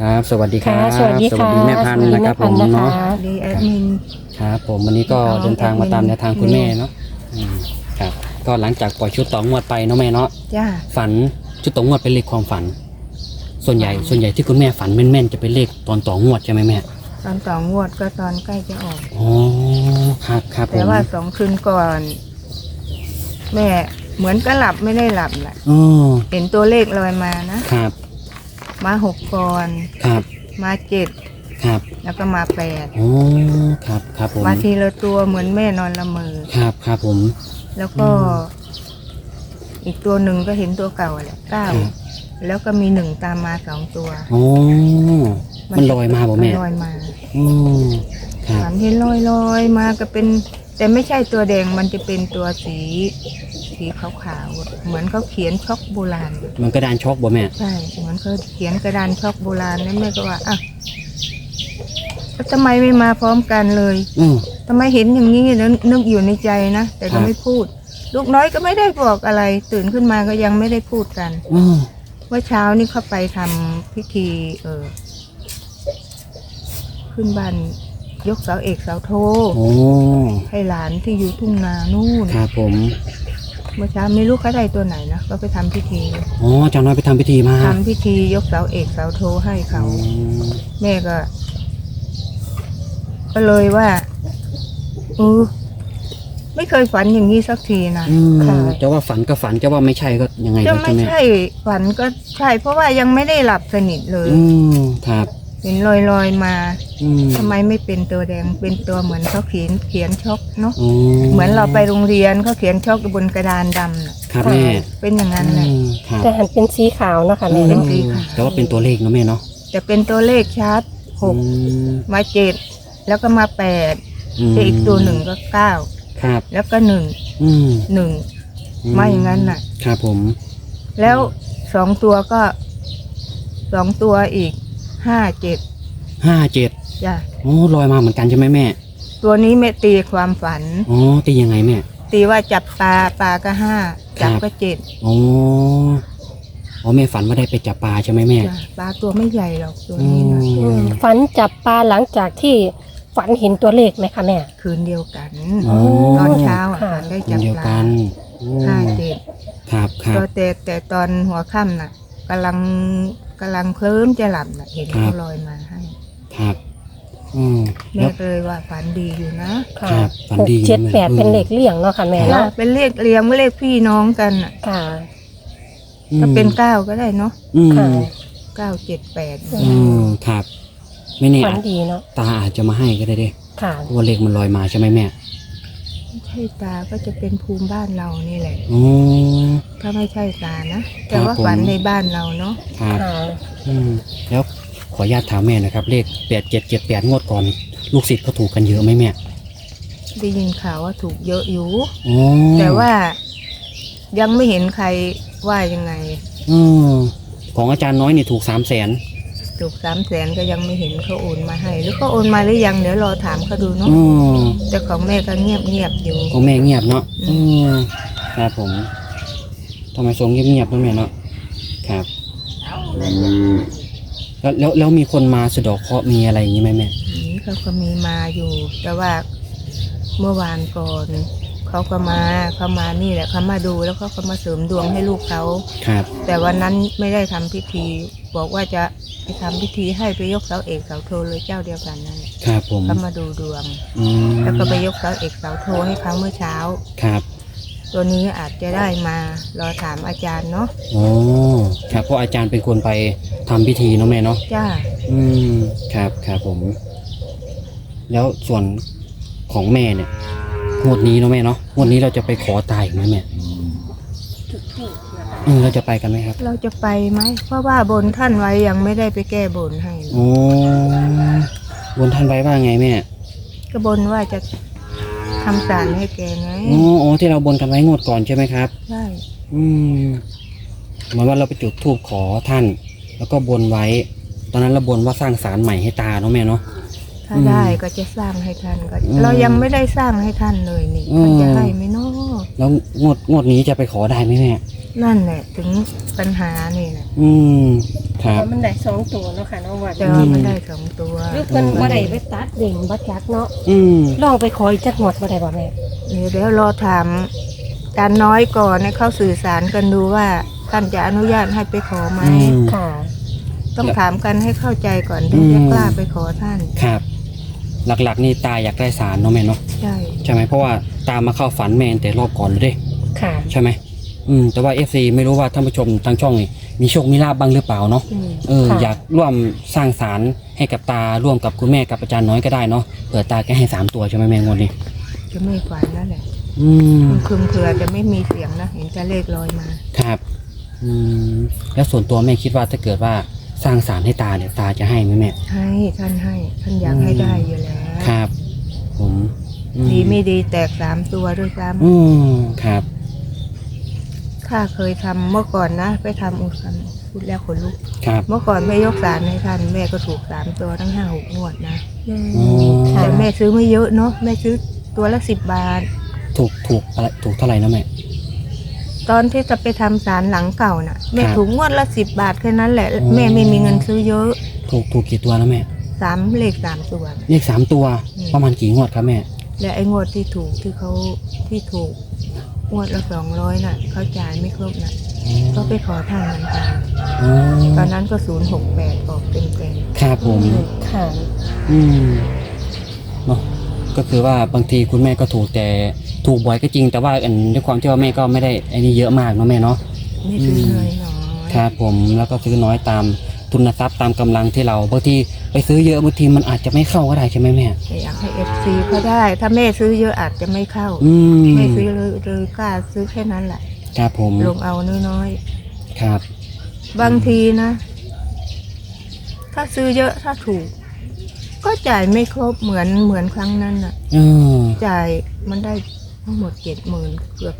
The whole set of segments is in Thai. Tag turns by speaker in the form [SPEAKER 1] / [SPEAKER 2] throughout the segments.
[SPEAKER 1] ครับสวัสดีครับ
[SPEAKER 2] ค่ะสวัสดีค่ะ
[SPEAKER 1] แม่พันธุ์นะครับผม
[SPEAKER 2] สวัสดีแม่พันธุ์นะคะ
[SPEAKER 1] เนาะ
[SPEAKER 3] ดีแอดมิน
[SPEAKER 1] ครับผมวันนี้ก็เดินทางมาตามแนวทางคุณแม่เนาะครับก็หลังจากปล่อยชุดต่องวดไปเนาะแม่เนาะ
[SPEAKER 3] จ้า
[SPEAKER 1] ฝันชุดต่องวดเป็นเลขความฝัน ส่วนใหญ่ที่คุณแม่ฝันแม่นๆจะเป็นเลขตอนต่องวดใช่ไหมแม่
[SPEAKER 3] ตอนต่องวดก็ตอนใกล้จะออก
[SPEAKER 1] อ๋อครับผม
[SPEAKER 3] แต่ว่า2 คืนก่อน แม่เหมือนก็หลับไม่ได้หลับแหละ
[SPEAKER 1] อ๋อ
[SPEAKER 3] เห็นตัวเลขลอยมานะครับ มา6ก่อน
[SPEAKER 1] ครับ
[SPEAKER 3] มา7
[SPEAKER 1] ครับ
[SPEAKER 3] แล้วก็มา8
[SPEAKER 1] อ๋อครับผม
[SPEAKER 3] มาทีละตัวเหมือนแม่นอนละเมอ
[SPEAKER 1] ครับผม
[SPEAKER 3] แล้วก็ อีกตัวหนึ่งก็เห็นตัวเก่าแหละ
[SPEAKER 1] ครับ
[SPEAKER 3] 9แล้วก็มี1ตามมา2ตัว
[SPEAKER 1] อ๋อมันลอยมาบ่แม่
[SPEAKER 3] นลอยมา
[SPEAKER 1] อ๋อครับ
[SPEAKER 3] ฝันเห็นลอยมาก็เป็น แต่ไม่ใช่ตัวแดงมันจะเป็นตัวสีขาวๆเหมือนเขาเขียนช็อกโบราณ
[SPEAKER 1] มันกระดานช็อกบ่แม่
[SPEAKER 3] ใช่เหมือนเขาเขียนกระดานช็อกโบราณแล้วแม่ก็ว่าอ่ะแล้วทำไมไม่มาพร้อมกันเลย
[SPEAKER 1] อืม
[SPEAKER 3] ทำไมเห็นอย่างนี้แล้วนึกอยู่ในใจนะแต่
[SPEAKER 1] ครั
[SPEAKER 3] ก็
[SPEAKER 1] บ
[SPEAKER 3] ไม่พูด ลูกน้อยก็ไม่ได้บอกอะไร ตื่นขึ้นมาก็ยังไม่ได้พูดกัน
[SPEAKER 1] อืม
[SPEAKER 3] เมื่อเช้านี่เขาไปทำพิธีขึ้นบ้านยกเสาเอกเสาโท
[SPEAKER 1] โอ้
[SPEAKER 3] ให้หลานที่อยู่ทุ่งนานู่น
[SPEAKER 1] ครับผม
[SPEAKER 3] เมื่อเช้าไม่รู้เขาได้ตัวไหนนะก็ไปทำพิธี
[SPEAKER 1] อ๋อจำน้อยไปทำพิธีมา
[SPEAKER 3] ทำพิธียกเสาเอกเสาโทให้เขา
[SPEAKER 1] อืม
[SPEAKER 3] แม่ก็เลยว่าไม่เคยฝันอย่างนี้สักทีนะ
[SPEAKER 1] อืม
[SPEAKER 3] ค่ะ
[SPEAKER 1] จะว่าฝันก็ฝันจะว่าไม่ใช่ก็ยังไง
[SPEAKER 3] จะ
[SPEAKER 1] ครับ
[SPEAKER 3] ไม่
[SPEAKER 1] ใช่ไหม
[SPEAKER 3] ใช่ฝันก็ใช่ เพราะว่ายังไม่ได้หลับสนิทเลย
[SPEAKER 1] อืมครับ
[SPEAKER 3] เห็นลอยมา
[SPEAKER 1] อืม
[SPEAKER 3] ทำไมไม่เป็นตัวแดงเป็นตัวเหมือนเขาเขียนช็อกเนาะ
[SPEAKER 1] อ๋อ
[SPEAKER 3] เหมือนเราไปโรงเรียนเขาเขียนช็อกบนกระดานดำน่ะ
[SPEAKER 1] ครับแม่
[SPEAKER 3] เป็นอย่างนั้นแหละ
[SPEAKER 1] อืมครับ
[SPEAKER 2] แต่หันเป็นสีขาวเนาะค่ะแม่
[SPEAKER 3] เป็น
[SPEAKER 2] เนาะ
[SPEAKER 3] สีขาว
[SPEAKER 1] แต่ว่าเป็นตัวเลขเนาะแม่เนาะ
[SPEAKER 3] แต่เป็นตัวเลขชัดหก
[SPEAKER 1] อืม
[SPEAKER 3] มา7แล้วก็มา8แต่อีกตัวหนึ่งก็9
[SPEAKER 1] ครับ
[SPEAKER 3] แล้วก็1
[SPEAKER 1] อืม
[SPEAKER 3] 1มาอย่างนั้นน่ะ
[SPEAKER 1] ครับผม
[SPEAKER 3] แล้ว2 ตัวก็2 ตัวอีก5 7
[SPEAKER 1] 57
[SPEAKER 3] จ้ะ
[SPEAKER 1] โอ้ลอยมาเหมือนกันใช่ไหมแม่
[SPEAKER 3] ตัวนี้แม่ตีความฝัน
[SPEAKER 1] อ๋อตียังไงแม่
[SPEAKER 3] ตีว่าจับปลาก็5จับก็7
[SPEAKER 1] อ๋ออ๋อแม่ฝันว่าได้ไปจับปลาใช่ไหมแม่
[SPEAKER 3] จ้ะปลาตัวไม่ใหญ่หรอกตัว
[SPEAKER 1] อื
[SPEAKER 3] นี้นะ
[SPEAKER 1] ม
[SPEAKER 2] ฝันจับปลาหลังจากที่ฝันเห็นตัวเลขไหมคะแม่
[SPEAKER 3] คืนเดียวกัน
[SPEAKER 1] อ๋อ
[SPEAKER 3] ตอนเช้าอ่ะ
[SPEAKER 2] ค่ะ
[SPEAKER 3] ฝันได้
[SPEAKER 1] คน
[SPEAKER 3] จับ
[SPEAKER 1] เดียว
[SPEAKER 3] ป
[SPEAKER 1] กั
[SPEAKER 3] ลาน
[SPEAKER 1] โอ้
[SPEAKER 3] 5 7
[SPEAKER 1] ครับครับ
[SPEAKER 3] ตัวแต่ตอนหัวค่ำน่ะกำลังเคลิ้มจะหลับน่ะเห็น
[SPEAKER 1] ครั
[SPEAKER 3] เขา
[SPEAKER 1] บ
[SPEAKER 3] ลอยมาให้
[SPEAKER 1] ครับอืม
[SPEAKER 3] แม่
[SPEAKER 1] แล้ว
[SPEAKER 3] ก็เลยว่าฝันดีอยู่นะ
[SPEAKER 2] ค่ะ
[SPEAKER 1] ครับฝัน
[SPEAKER 2] หก
[SPEAKER 1] ดี
[SPEAKER 2] เจ็ด
[SPEAKER 1] แม่
[SPEAKER 2] แปดเป็นเลขเลี่ยงเนาะค่ะแม่
[SPEAKER 3] จ้ะ
[SPEAKER 2] เนาะ
[SPEAKER 3] เป็นเลขเรียงเลขพี่น้องกันน่ะ
[SPEAKER 2] ค่ะ
[SPEAKER 3] ก็เป็น9ก็ได้เนาะ
[SPEAKER 1] อืม
[SPEAKER 2] ค่ะ
[SPEAKER 3] 9 7 8
[SPEAKER 1] อืมครับไม่แน่
[SPEAKER 2] ฝันดีเนาะ
[SPEAKER 1] ตาอาจจะมาให้ก็ได้เด้
[SPEAKER 2] ค่ะ
[SPEAKER 1] เพราะว่าเลขมันลอยมาใช่ไหมแม่
[SPEAKER 3] ไม่ใช่ตาก็จะเป็นภูมิบ้านเรานี่แหละ
[SPEAKER 1] อ๋อ
[SPEAKER 3] ถ้าไม่ใช่ตานะแต่ว่า
[SPEAKER 1] ผม
[SPEAKER 3] ฝันในบ้านเราเนาะ
[SPEAKER 1] ครับ
[SPEAKER 2] ค่ะ
[SPEAKER 1] อืมแล้วขออนุญาตถามแม่นะครับ เลข8778งวดก่อน ลูกศิษย์เขาถูกกันเยอะไหมแม่
[SPEAKER 3] ได้ยินข่าวว่าถูกเยอะอยู่
[SPEAKER 1] อ๋อ
[SPEAKER 3] แต่ว่ายังไม่เห็นใครว่ายังไง
[SPEAKER 1] อืมของอาจารย์น้อยนี่ถูก300,000
[SPEAKER 3] ถูก300,000ก็ยังไม่เห็นเขาโอนมาให้ หรือก็โอนมาหรือยังเดี๋ยวรอถามเขาดูเนาะ
[SPEAKER 1] อืม
[SPEAKER 3] แต่ของแม่ก็เงียบอยู่
[SPEAKER 1] ของแม่เงียบเนาะ
[SPEAKER 3] อื
[SPEAKER 1] อืมครับผมทำไมทรงเงียบๆนะแม่เนาะครับแล้วมีคนมาสะเดอกเคราะห์มีอะไรอย่างนี้ไหมแม่
[SPEAKER 3] นี่เขาก็มีมาอยู่ แต่ว่าเมื่อวานก่อนเขามานี่แหละเขามาดูแล้วเขาก็มาเสริมดวงให้ลูกเขา
[SPEAKER 1] ครับ
[SPEAKER 3] แต่วันนั้นไม่ได้ทำพิธี บอกว่าจะไปทำพิธีให้ไปยกเสาเอกเสาโทเลยเจ้าเดียวกันนั่นแหละ
[SPEAKER 1] ครับผม
[SPEAKER 3] เขามาดูดวง
[SPEAKER 1] อืม
[SPEAKER 3] แล้วก็ไปยกเสาเอกเสาโทให้เขาเมื่อเช้า
[SPEAKER 1] ครับ
[SPEAKER 3] ตัวนี้อาจจะได้มารอถามอาจารย์เนาะ
[SPEAKER 1] อ๋อครับเพราะอาจารย์เป็นคนไปทำพิธีเนาะแม่เนาะ
[SPEAKER 3] จ้า
[SPEAKER 1] อืมครับผม แล้วส่วนของแม่เนี่ยงวดนี้เนาะแม่เนาะงวดนี้เราจะไปขอตายอีกไหมแม่เราจะไปกันไหมครับ
[SPEAKER 3] เราจะไปไหมเพราะว่าบนท่านไว้ยังไม่ได้ไปแก้บนให้เลย
[SPEAKER 1] โอ้บนท่านไว้ว่าไงแม่
[SPEAKER 3] ก็บนว่าจะทำศาลให้แกไง
[SPEAKER 1] อ๋อที่เราบนกันไว้งวดก่อนใช่ไหมครับ
[SPEAKER 3] ใช่
[SPEAKER 1] อืมเหมือนว่าเราไปจุดธูปขอท่าน แล้วก็บนไว้ ตอนนั้นเราบนว่าสร้างศาลใหม่ให้ตาเนาะแม่เนาะ
[SPEAKER 3] ถ้าได้ก็จะสร้างให้ท่านก็
[SPEAKER 1] อืม
[SPEAKER 3] เรายังไม่ได้สร้างให้ท่านเลยนี่
[SPEAKER 1] อืม
[SPEAKER 3] ท่านจะให้ไหมเนาะ
[SPEAKER 1] แล้วงวดนี้จะไปขอได้ไหมแม่
[SPEAKER 3] นั่นแหละถึงปัญหานี่แหละ
[SPEAKER 1] อืมครับ
[SPEAKER 2] มันได้สองตัวเนาะค่ะน้องวัน
[SPEAKER 3] แต่ว่ามันได้2 ตัว
[SPEAKER 2] หรือเพิ่นบ่ได้ไปตัดเด่นบ่จักเนาะ
[SPEAKER 1] อืม
[SPEAKER 2] ลองไปขออีกจักหมดบ่ได้บ่แม่
[SPEAKER 3] เดี๋ยวรอถามอาจารย์น้อยก่อนให้เขาสื่อสารกันดูว่าท่านจะอนุญาตให้ไปขอไหม
[SPEAKER 1] อืม
[SPEAKER 2] ค่ะ
[SPEAKER 3] ต้องถามกันให้เข้าใจก่อนถึงจะกล้าไปขอท่าน
[SPEAKER 1] ครับ หลักๆนี่ตาอยากได้สารเนาะแม่เนาะ
[SPEAKER 3] ใช่
[SPEAKER 1] ใช่ไหมเพราะว่าตามมาเข้าฝันแม่แต่รอบก่อนเลยเด้
[SPEAKER 2] ค่ะ
[SPEAKER 1] ใช่ไหมแต่ว่า FC ไม่รู้ว่าท่านผู้ชมทางช่องนี่มีโชคมีลาบบ้างหรือเปล่าเนาะ
[SPEAKER 2] ค่ะ
[SPEAKER 1] อยากร่วมสร้างสารให้กับตาร่วมกับคุณแม่กับอาจารย์น้อยก็ได้เนาะเผื่อตาแกให้3 ตัวใช่ไหมแม่งวดนี้
[SPEAKER 3] จะไม่ฝันนั่นแหละ
[SPEAKER 1] อืม
[SPEAKER 3] คืมเผื่อจะไม่มีเสียงนะเห็นจะเลขลอยมา
[SPEAKER 1] ครับแล้วส่วนตัวแม่คิดว่าถ้าเกิดว่าสร้างสารให้ตาเนี่ยตาจะให้ไหมแม่
[SPEAKER 3] ให้ท่านอยากให้ได้อยู่แล้ว
[SPEAKER 1] ครับ ผมอืม
[SPEAKER 3] ดีไม่ดีแตก3 ตัวด้วยซ้
[SPEAKER 1] อืมครับ
[SPEAKER 3] ำข้าเคยทำเมื่อก่อนนะ ไปทำอุสันพูดแล้วขนลุก
[SPEAKER 1] ครับ
[SPEAKER 3] เมื่อก่อนแม่ยกสารให้ท่านแม่ก็ถูก3 ตัวทั้ง5-6 งวดนะ
[SPEAKER 1] อ๋อ
[SPEAKER 2] ค่ะ
[SPEAKER 3] แต่แม่ซื้อไม่เยอะเนาะแม่ซื้อตัวละ10 บาท
[SPEAKER 1] ถูกอะไรถูกเท่าไหร่นะแม่
[SPEAKER 3] ตอนที่จะไปทำสารหลังเก่าน่ะแม่
[SPEAKER 1] ครับ
[SPEAKER 3] ถูกงวดละ10 บาทแค่นั้นแหละ
[SPEAKER 1] อ๋อ
[SPEAKER 3] แม่ไม่มีเงินซื้อเยอะ
[SPEAKER 1] ถูกกี่ตัวนะแม่
[SPEAKER 3] เลข 3 ตัว
[SPEAKER 1] เลข3 ตัว
[SPEAKER 3] อืม
[SPEAKER 1] ประมาณกี่งวดครับแม่
[SPEAKER 3] และไอ้งวดที่ถูกที่ถูกงวดละ200น่ะเขาจ่ายไม่ครบน่ะก็ไปขอท่านเหมือนกัน
[SPEAKER 1] อ๋อ
[SPEAKER 3] ตอนนั้นก็068ออกเต็ม
[SPEAKER 1] ครับผม
[SPEAKER 2] ค่ะ
[SPEAKER 1] อืมเนาะก็คือว่าบางทีคุณแม่ก็ถูกแต่ถูกบ่อยก็จริง แต่ว่าด้วยความที่ว่าแม่ก็ไม่ได้ไอ้นี่เยอะมากเนาะแม่เนาะ
[SPEAKER 3] ๆไม่ซื้อเลยน้อย
[SPEAKER 1] ครับผมแล้วก็ซื้อน้อยตามทุนทรัพย์ตามกำลังที่เราบางทีไปซื้อเยอะบางทีมันอาจจะไม่เข้าก็ได้ใช่ไหมแม่
[SPEAKER 3] แต่อยากให้ FC เขาได้ ถ้าแม่ซื้อเยอะอาจจะไม่เข้า
[SPEAKER 1] อืม
[SPEAKER 3] ไม่ซื้อเลยกล้าซื้อแค่นั้นแหละ
[SPEAKER 1] ครับผม
[SPEAKER 3] ลงเอาน้อย
[SPEAKER 1] ครับ
[SPEAKER 3] ๆบางทีนะ ถ้าซื้อเยอะถ้าถูก ก็จ่ายไม่ครบเหมือนครั้งนั้นน่ะ
[SPEAKER 1] เออ
[SPEAKER 3] จ่ายมันได้ทั้งหมด70,000เกือบ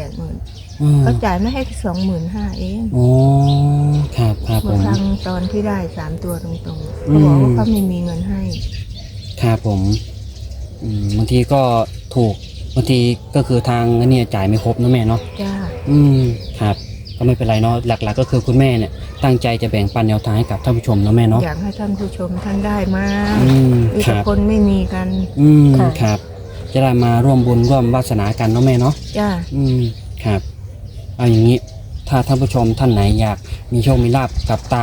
[SPEAKER 3] 80,000
[SPEAKER 1] เออ
[SPEAKER 3] เขาจ่ายไม่ให้25,000เอง
[SPEAKER 1] อ๋อครับครับผ
[SPEAKER 3] เมื่อ
[SPEAKER 1] ม
[SPEAKER 3] ครั้งตอนที่ได้3 ตัวตรงๆเขาบอกว่าเขาไม่มีเงินให้
[SPEAKER 1] ครับผมบางทีก็ถูกบางทีก็คือทางเนี่ยจ่ายไม่ครบนะแม่เนาะ
[SPEAKER 3] จ้า
[SPEAKER 1] ครับก็ไม่เป็นไรเนาะหลักๆก็คือคุณแม่เนี่ยตั้งใจจะแบ่งปันแนวทางให้กับท่านผู้ชมเนาะแม่เนาะ
[SPEAKER 3] อยากให้ท่านผู้ชมท่านได้มา
[SPEAKER 1] อืม
[SPEAKER 3] มี
[SPEAKER 1] ค
[SPEAKER 3] แต่
[SPEAKER 1] รับ
[SPEAKER 3] คนไม่มีกัน
[SPEAKER 2] ค่ะ
[SPEAKER 1] ครับ จะได้มาร่วมบุญร่วมวาสนากันเนาะแม่เนาะ
[SPEAKER 3] จ้า
[SPEAKER 1] ครับเอาอย่างนี้ถ้าท่านผู้ชมท่านไหนอยากมีโชคมีลาบกับตา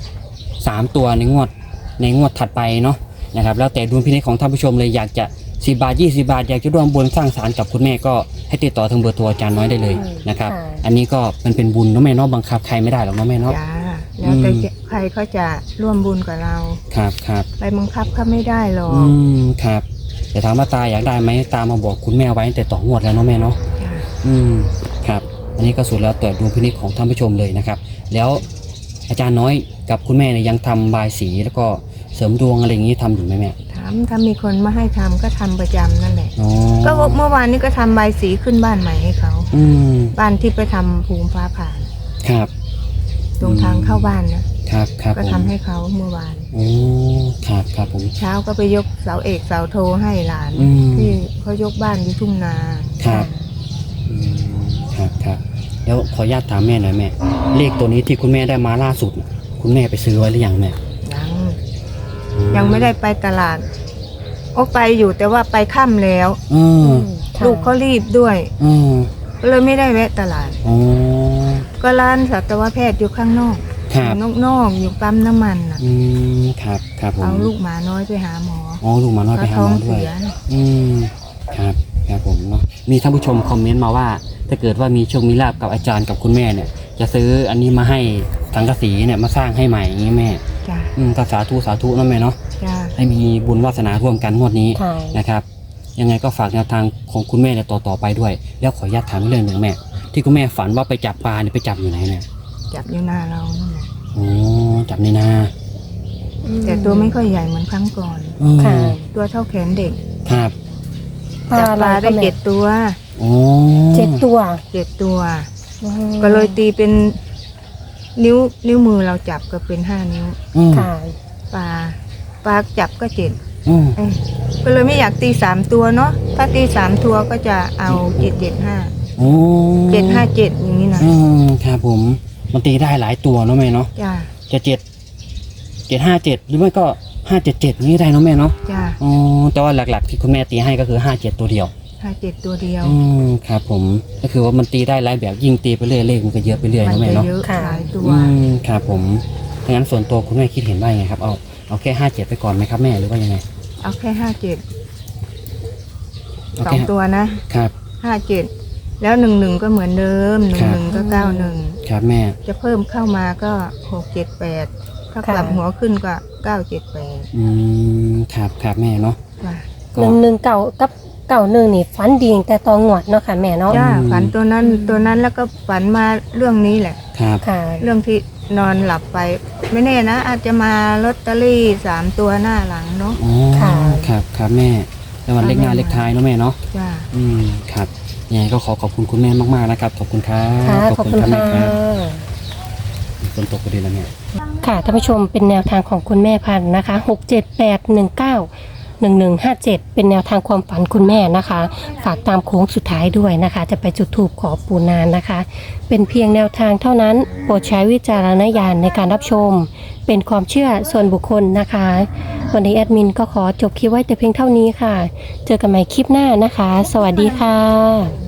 [SPEAKER 1] 3 ตัวในงวดถัดไปเนาะนะครับแล้วแต่ดุลพินิจของท่านผู้ชมเลยอยากจะ10 บาท20 บาทอยากจะร่วมบุญสร้างศาลกับคุณแม่ก็ให้ติดต่อทางเบอร์โทรอาจารย์น้อยได้เลยนะครับ
[SPEAKER 2] ค่ะ
[SPEAKER 1] อันนี้ก็มันเป็นบุญเนาะแม่เนาะบังคับใครไม่ได้หรอกเนาะแม่เนาะ
[SPEAKER 3] จ้าแล้วแต่ใครเขาจะร่วมบุญกับเรา
[SPEAKER 1] ครับครับ
[SPEAKER 3] ไปบังคับเขาไม่ได้หรอก
[SPEAKER 1] ครับแต่ถามว่าตาอยากได้ไหมตามาบอกคุณแม่ไว้ตั้งแต่ต่องวดแล้วเนาะแม่เนาะ
[SPEAKER 3] จ้า
[SPEAKER 1] ครับอันนี้ก็สุดแล้วแต่ดุลพินิจของท่านผู้ชมเลยนะครับแล้วอาจารย์น้อยกับคุณแม่เนี่ยยังทำบายสีแล้วก็เสริมดวงอะไรอย่างนี้ทำอยู่ไหมแม่
[SPEAKER 3] ถามถ้ามีคนมาให้ทำก็ทำประจำนั่นแหละ
[SPEAKER 1] อ๋อ
[SPEAKER 3] ก็เมื่อวานนี้ก็ทำใบายสีขึ้นบ้านใหม่ให้เขา
[SPEAKER 1] อืม
[SPEAKER 3] บ้านที่ไปทำภูมิฟ้าผ่าน
[SPEAKER 1] ครับ
[SPEAKER 3] ตรงทางเข้าบ้านนะครับ
[SPEAKER 1] ครับ
[SPEAKER 3] ก็
[SPEAKER 1] ผม
[SPEAKER 3] ทำให้เขาเมื่อวาน
[SPEAKER 1] โอ้ครับครับผม
[SPEAKER 3] เช้าก็ไปยกเสาเอกเสาโทให้หลาน
[SPEAKER 1] อืม
[SPEAKER 3] ที่เขายกบ้านอยู่ทุ่งนา
[SPEAKER 1] ครับอืมครับแล้วขออนุญาตถามแม่หน่อยแม่เลขตัวนี้ที่คุณแม่ได้มาล่าสุด คุณแม่ไปซื้อไว้หรือยังแม่
[SPEAKER 3] ยังไม่ได้ไปตลาดโอ้ไปอยู่แต่ว่าไปค่ำแล้ว
[SPEAKER 1] อืม
[SPEAKER 2] ค่ะ
[SPEAKER 3] ลูกเขารีบด้วย
[SPEAKER 1] อืม
[SPEAKER 3] ก็เลยไม่ได้แวะตลาด
[SPEAKER 1] อ๋อ
[SPEAKER 3] ก็ร้านสัตวแพทย์อยู่ข้างนอก
[SPEAKER 1] ครับ
[SPEAKER 3] นอกอยู่ปั๊มน้ำมันน่ะ
[SPEAKER 1] ครับผม
[SPEAKER 3] เอาลูกหมาน้อยไปหาหมอ
[SPEAKER 1] อ๋อลูกหมาน้อยไปหา
[SPEAKER 3] ท้อ
[SPEAKER 1] หม
[SPEAKER 3] ง
[SPEAKER 1] อด้วย
[SPEAKER 3] เสียน่ะ
[SPEAKER 1] ครับผมเนาะมีท่านผู้ชมคอมเมนต์มาว่า ถ้าเกิดว่ามีโชคมีลาบกับอาจารย์กับคุณแม่เนี่ย จะซื้ออันนี้มาให้สังกะสีเนี่ยมาสร้างให้ใหม่อย่างนี้แม่
[SPEAKER 3] จ้า
[SPEAKER 1] ก็สาธุนะแม่เนาะ
[SPEAKER 3] จ้า
[SPEAKER 1] ให้มีบุญวาสนาร่วมกันงวดนี้
[SPEAKER 2] ค่ะ
[SPEAKER 1] นะครับ ยังไงก็ฝากแนวทางของคุณแม่เนี่ยต่อไปด้วย แล้วขออนุญาตถามเรื่องหนึ่งแม่ ที่คุณแม่ฝันว่าไปจับปลาเนี่ยไปจับอยู่ไหนเนี่ย
[SPEAKER 3] จับอยู่หน้าเรานั่นแหละ
[SPEAKER 1] อ๋อจับในนา
[SPEAKER 3] แต่ตัวไม่ค่อยใหญ่เหมือนครั้งก่อน
[SPEAKER 1] อ๋อ
[SPEAKER 2] ค่ะ
[SPEAKER 3] ตัวเท่าแขนเด็ก
[SPEAKER 1] ครับ
[SPEAKER 3] จับปลาได้7 ตัว
[SPEAKER 1] อ๋อ
[SPEAKER 2] 7 ตัว
[SPEAKER 3] 7 ตัว ก็เลยตีเป็นนิ้วมือเราจับก็เป็น5 นิ้ว
[SPEAKER 2] ค่ะ
[SPEAKER 3] ปลาจับก็7
[SPEAKER 1] อืม
[SPEAKER 3] ก็เลยไม่อยากตี3 ตัวเนาะถ้าตี3 ตัวก็จะเอา775
[SPEAKER 1] โอ้
[SPEAKER 3] 757อย่างนี้นะ
[SPEAKER 1] ครับผมมันตีได้หลายตัวเนาะแม่เนาะ
[SPEAKER 3] จ้า
[SPEAKER 1] จะ7 757หรือไม่ก็577นี่ได้เนาะแม่เนาะ
[SPEAKER 3] จ้า
[SPEAKER 1] อ๋อแต่ว่าหลักๆที่คุณแม่ตีให้ก็คือ57ตัวเดียว
[SPEAKER 3] 57ตัวเดียว
[SPEAKER 1] ครับผมก็คือว่ามันตีได้หลายแบบยิ่งตีไปเรื่อยเลขมันก็เยอะไปเรื่อย
[SPEAKER 3] มั
[SPEAKER 1] เนาะแม่
[SPEAKER 3] จะ
[SPEAKER 1] เนาะ
[SPEAKER 3] เยอะหลายตัว
[SPEAKER 1] ครับผมถ้างั้นส่วนตัวคุณแม่คิดเห็นว่ายังไงครับเอาแค่57ไปก่อนไหมครับแม่หรือว่ายังไง
[SPEAKER 3] เอาแค่57
[SPEAKER 1] เอา
[SPEAKER 3] สอ
[SPEAKER 1] แค่
[SPEAKER 3] งตัวนะครับ 57แล้ว11ก็เหมือนเดิม
[SPEAKER 1] ครับ
[SPEAKER 3] 11ก็91
[SPEAKER 1] ครับแม่
[SPEAKER 3] จะเพิ่มเข้ามาก็678ถ้ากลับหัวขึ้นก็978
[SPEAKER 1] ครับแม่เนาะ
[SPEAKER 3] จ้า
[SPEAKER 2] 119กับ91นี่ฝันดีตั้งแต่ตอนงวดเนาะค่ะแม่เนาะ
[SPEAKER 3] จ้าฝันตัวนั้นแล้วก็ฝันมาเรื่องนี้แหละ
[SPEAKER 1] ครับ
[SPEAKER 2] ค่ะ
[SPEAKER 3] เรื่องที่นอนหลับไป ไม่แน่นะ อาจจะมาลอตเตอรี่3ตัวหน้าหลังเนาะ
[SPEAKER 1] อ๋อ
[SPEAKER 2] ค่ะ
[SPEAKER 1] ครับแม่แล้ววันเลขหน้าเลขท้ายเนาะแม่เนาะ
[SPEAKER 3] จ้า
[SPEAKER 1] ครับยังไงก็ขอบคุณคุณแม่มากๆนะครับขอบคุณครับ
[SPEAKER 2] ค่ะขอบคุณ
[SPEAKER 1] รับแม่
[SPEAKER 2] ค่ะ
[SPEAKER 1] ครับฝนตกพอดีแล้วเนี่ย
[SPEAKER 2] ค่ะท่านผู้ชมเป็นแนวทางของคุณแม่พันธุ์นะคะ678191157เป็นแนวทางความฝันคุณแม่นะคะ ฝากตามโค้งสุดท้ายด้วยนะคะ จะไปจุดธูปขอปูนานนะคะ เป็นเพียงแนวทางเท่านั้นโปรดใช้วิจารณญาณในการรับชม เป็นความเชื่อส่วนบุคคลนะคะ วันนี้แอดมินก็ขอจบคลิปไว้แต่เพียงเท่านี้ค่ะ เจอกันใหม่คลิปหน้านะคะ สวัสดีค่ะ